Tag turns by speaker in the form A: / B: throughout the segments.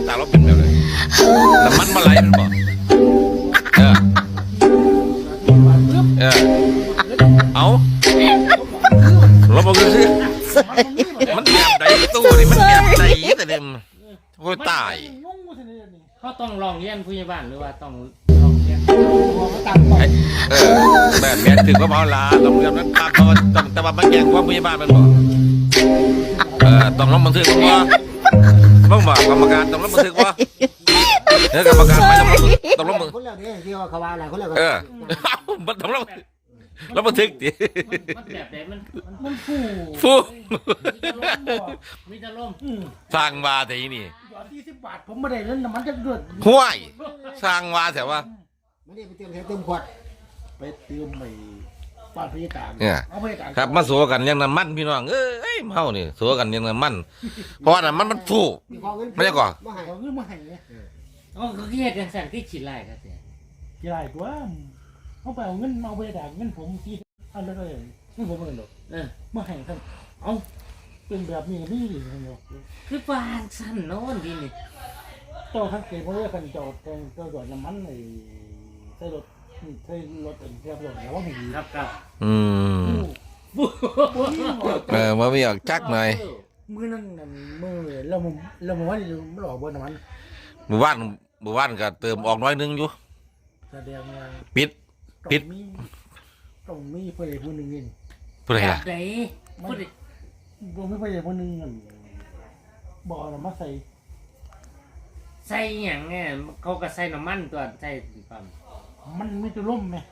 A: ตาเราเป็นแบบเลยน้ำมันมาไหลมันบ่เออเอาเราบอกกันสิมันแบบไหนตู้นี่มันแบบไหนแต่เนี่ยโอ้ยตาย
B: เขาต้องลองเรียนผู้ใหญ่บ้านหรือว่าต้องลองเรียน
A: แบบแม่ถึงก็เมาลาต้องเรียนนั้นตามเขาต้องแต่ว่ามันแย่งความผู้ใหญ่บ้านมันบอกต้องลงบันทึกว่าบ้างบอกกรรมการต้องลงบันทึกว่าเนี่ยกรรมการไม่ต้องลงบันทึก
C: คนแล้วเนี่ยที่ว่าเขาว่าอะไรคนแล้ว
A: มันต้องลงแล้วบันทึกดิ
B: มันแบบไหน
C: มัน
A: ฟู
B: มีจะล่ม
A: สร้างวาแต่ยี่นี่
C: 20 บาทผมไม่ได้เล่นน้ำมันจะเดือด
A: ห้วยสร้างวาแต่ว่า
C: ไม่ได้ไปเติมขวดไปเติมไปปาดพยาการ
A: เนี่ยครับมาสู้กันยังน้ำมันพี่น้องเอ้ยเมานี่สู้กันยังน้ำมันเพราะว่าน้ำมันฟูไม่ได้ก่อน
C: มาให้เขาเงินมาให้เนี่ย
B: อ๋อเขาเรียกกันสั่งที่ฉีดไล่ครับเนี่ย
C: ฉีดไล่ตัวเขาไปเอาเงินเอาไปด่าเงินผมที่อันนั้นเลยเงินผมเงินดอกมาให้ท่านเอาเป็นแบบนี้นี่ดิเนาะ
B: คือฟางสั้นโน่นดีนี่
C: เจ้าทั้งเกมเพราะว่ากันจอดจอดน้ำมันในใส่รถเทียบรถแล้วว่าให้ดี
B: ครับ
A: มาไม่อยากจักหน่อย
C: มือนั่นมือเราว่าไม่หลอกบนน้ำมัน
A: หมู่บ้านก็เติมออกน้อยนึงอยู่
C: แสดงว่า
A: ปิด
C: ต้องมีผู้ใดผู้หนึ่งนี่
A: ผู้ใดล่ะ
C: ผมไม่ผู้ใดผู้หนึ่งบอกเรามาใ
B: ส่อย่างเนี่ยเขาก็ใส่น้ำมันตัวใส่ปั๊ม
C: มันไม่จะล่มไหม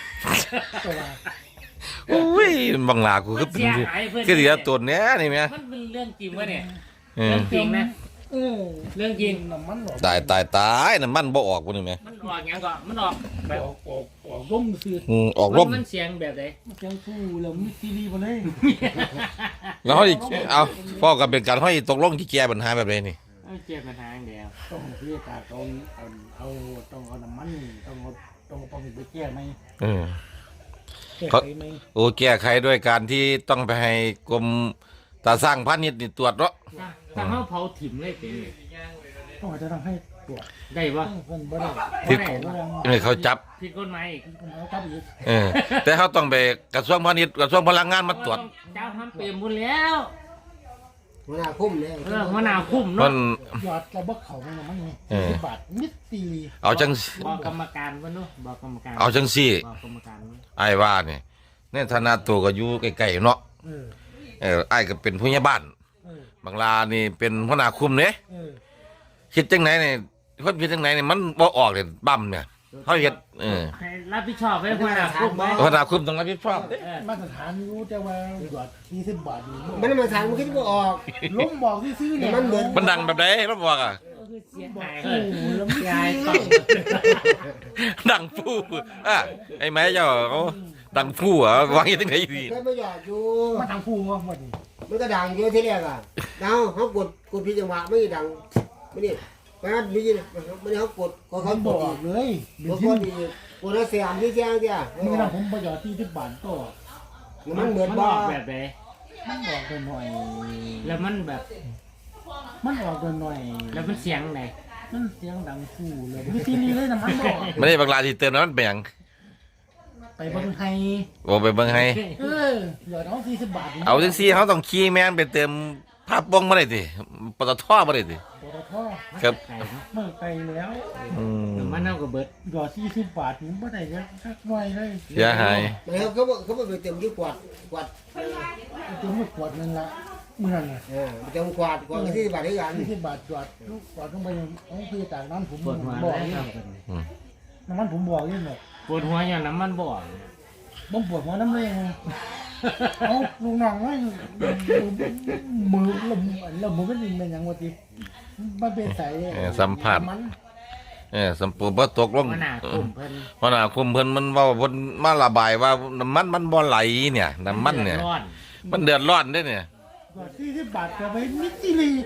A: โอ้ยบางลากูก็เป็นคือเดียวตัวเนี้ยนี่ไหม
B: มันเป็นเรื่องจริงวะเนี่ยเรื่องจริงนะเรื่องจริง
C: น้ำมัน
A: ตายน้ำมันบ่ออกกูนี่ไหม
B: มันออกอย่างก่อนมันออกแบบ
C: ออกร่มซื้อ
A: ออกร่ม
B: มันเสียงแบบไหน
C: เสียงฟูแล้วมีซีรีส์มาเลย
A: แล้วเขาเอาพ่อกับเป็นการให้ตกลงที่แก้ปัญหาแบบนี้นี่
B: แก้ปัญหาเดียว
C: ต้องเรียกการต้องเอาน้ำมันต้องเอาไปแก้ไหม
A: เขาแก้ไขด้วยการที่ต้องไปให้กรมตาสร้างพาณิชย์นี่ตรวจเนาะ
B: ถ้าเขาเผาถิ่มเลยเป็น
C: ต้องอาจจะทำให้ตรวจ
B: ได้ปะ
A: ที่เขาจับ
B: ผิดกฎหมายอีก
A: แต่เขาต้องไปกระทรวงพาณิชย์กระทรวงพลังงานมาตรวจ
B: เจ้าทำเปลี่ยนหมดแล้ว
C: หัวหน้าคุ้มเลย
B: หัวหน้าคุ้มเนาะ
C: ยอดเราบักเขาไม่มาไง10 บาทนิดตี
A: เอาจัง
B: บอกกรรมการวะเนาะบอกกรรมการ
A: เอาจังสี่
B: บอกกรรมการ
A: ไอ้ว่าเนี่ยเนี่ยธนาตัวก็อยู่ใกล้ๆเนาะไอ้ก็เป็นผู้ใหญ่บ้านบางลานี่เป็นหัวหน้าคุมเนี่ยคิดจังไหนเนี่ยคนคิดจังไหนเนี่ยมันบ่ออกเลยบั้มเนี่ยเขาเห็ด
B: รับผิดชอบไว้หัวหน้าคุม
A: หัวหน้าคุมต้องรับผิดชอบ
C: มาตรฐานรู้แต่ว่าหยอด20 บาทมันมาตรฐานมันคิดว่าออกล้มบอกซื้อเนี่ย
A: มันดังแบบไหนล้มบอกอ่ะดังฟูไอ้แม่เจ้าเขาดังฟูอ่ะวางยังไงดี
C: ไม่หยอดอยู่มันดังฟูวะมันก็ดังเยอะที่แรกอ่ะเขากดพิจังหวะไม่ดังไม่นี่มันมีมันเขากดเขาบอกเลยกดแล้วเสียงที่แจ้งเนี่ยนี่นะผมประหยัด20 บาทก็มันเหมือนบ้า
B: แบบไหน
C: มันออกหน่อย
B: แล้วมันแบบ
C: มันออกหน่อย
B: แล้วมันเสียงไหน
C: มันเสียงดังฟูเลยไม่ตีนี่เลยนะมันบอก
A: ไม่ได้บางลาที่เติมน้ำมันแบ่ง
C: ไปเบิ้งไฮ
A: ไปเบิ้งไฮ
C: หยอดเอา40 บาท
A: เอาจังซี่เขาต้องขี่แมนไปเติมภาพบ้องมาได้ดิปตทมาได้ดิครับ
C: เมื่อไปแล้ว
B: มันเอากับเบิร์ด
C: หยอด40 บาทผมไม่ได้สักหน่อยเลย
A: เสียหาย
C: เขาไปเติมที่กวาดเติมไม่กวาดนั่นละเมื่อไงเติมกวาดกัน40 บาทด้วยกัน40 บาทกวาดต้องไปต้องคือจากนั้นผมบอกนี่น้ำมันผมบอกนี่หมด
B: ปวดหัวอย่างน้ำมันบอก
C: บ่ปวดหัวน้ำเลยเอาลูกน้องไว้มือเรามือก็ยิงเป็นอย่างว่าที่มันเป็นสาย
A: สัมผัสสัมปูบ่ตกลง
B: หัวหน้าคุมเ
A: พิ่นมันว่าเพิ่นมาระบายว่าน้ำมันบ่ไหลเนี่ยน้ำมันเนี่ยมันเดือดร้อนด้วยเนี่ย
C: 40 บาทก็ไปมิดซีรี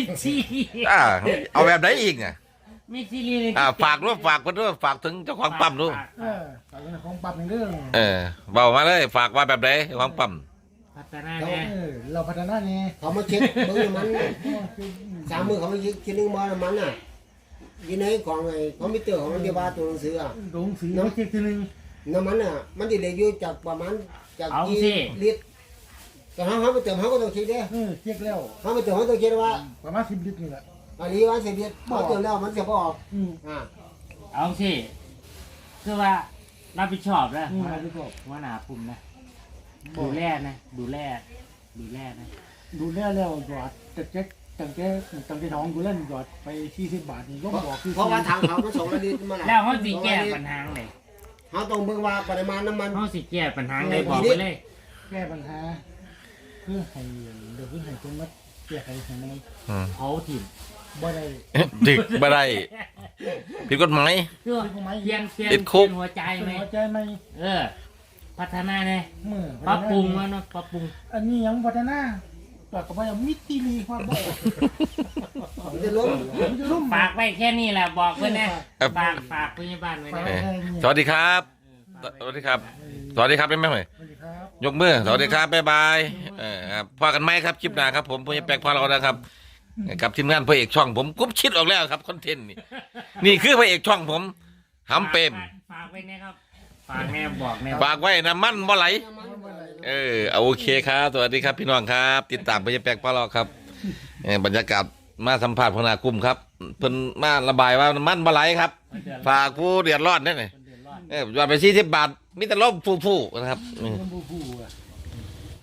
A: เอาแบบไหนอีกเนี่ย
B: มีซีรีส์
A: ฝากด้วยฝากคนด้วยฝากถึงเจ้าของปั๊มด้วย
C: ฝากเจ้าของปั๊มเรื่อง
A: เบามาเลยฝากว่าแบบไหนของปั๊ม
C: ฝ
B: พัฒนา
C: เขา
B: แน่
D: เราพัฒนาไง
C: เขามาเช็คเบิ้งน้ำมันสามมือเขามาเช็คคิดนึงบ่น้ำมันอ่ะยินในของไอ้คอมพิวเตอร์ของมันที่ว่าตัวหนังสืออ่ะ
D: ลงสีน้ำเช็คทีนึง
C: น้ำมันอ่ะมันติดเหลืออยู่จากประมาณจาก
B: เอา
C: กี่
B: สิ
C: ลิตรแต่เขาไปเติมเขาก็ต้องเช็คเด้
D: เช็คแล้ว
C: เขาไปเติมเขาต้องเช็คว่า
D: ประมาณ10 ลิตรนี่แหละ
C: อันนี้ว่า10ลิตรเขาเติมแล้วมันจะพอออกอ่า
B: เอาสิคือว่ารับผิดชอบนะ
D: อะไรพี่ก็
B: หัวหน้าปุ่มนะดูแลนะดูแลนะ
D: ดูแลแล้วหยอดตั้งแต่ท้องกูเล่นหยอดไป40 บาทนี่ก็บอกคือ
C: เพราะว่าทางเขามัน2ลิตรมา
B: แล้วเขาสิแก้ปัญหาเลย
C: เขาต้องเบิ่งว่าปริมาณน้ำมัน
B: เขาสิแก้ปัญหาเลยบอกไปเลย
D: แก้ปัญหาเพื่อให้เดี๋ยวเพื่อให้คนมาแก้ไขให้มัน
B: เผาถิ่ม
D: บ่ได้
A: ดึกบ่ได้ผิดกฎหมาย
B: คือเปลี่ยน
A: ติดคุก
B: หัวใจไหม
D: หัวใจไหม
B: พัฒนาไง
D: เมื่อ
B: ปรับปรุงแล้วเนาะปรับปรุง
D: อันนี้ยังพัฒนาปากกับว่ามิตรลีความบ่
C: มันจะล้ม
D: มันจะร่ม
B: ฝากไว้แค่นี้แหละบอกเพื่อนนะฝากพยาบาลไว้นะ
A: สวัสดีครับ สวัสดีครับ สวัสดีครับได้ไหมเอ่ย
D: สวัสดีครับ
A: ยกมือสวัสดีครับบ๊ายบายครับพอกันไหมครับคลิปหน้าครับผมผมจะแปลกพอเรานะครับกับทีมงานพระเอกช่องผมกุ๊บชิดออกแล้วครับคอนเทนต์นี่คือพระเอกช่องผมหำเปรม
B: ฝากไว้นะครับฝากแน่บอกแน่
A: ฝากไว้น้ำมันบ่ไหลเอาโอเคครับสวัสดีครับพี่น้องครับ ติดตามพระเอกแปลกพอเราครับบรรยากาศมาสัมภาษณ์พนากุมครับเพิ่นมาระบายว่าน้ำมันบ่ไหลครับ ฝากผู้เดือดร้อนนั่นเองยอดไป40 บาทมิตรลบฟูๆนะครับ
D: เรื่องผู้อ่ะ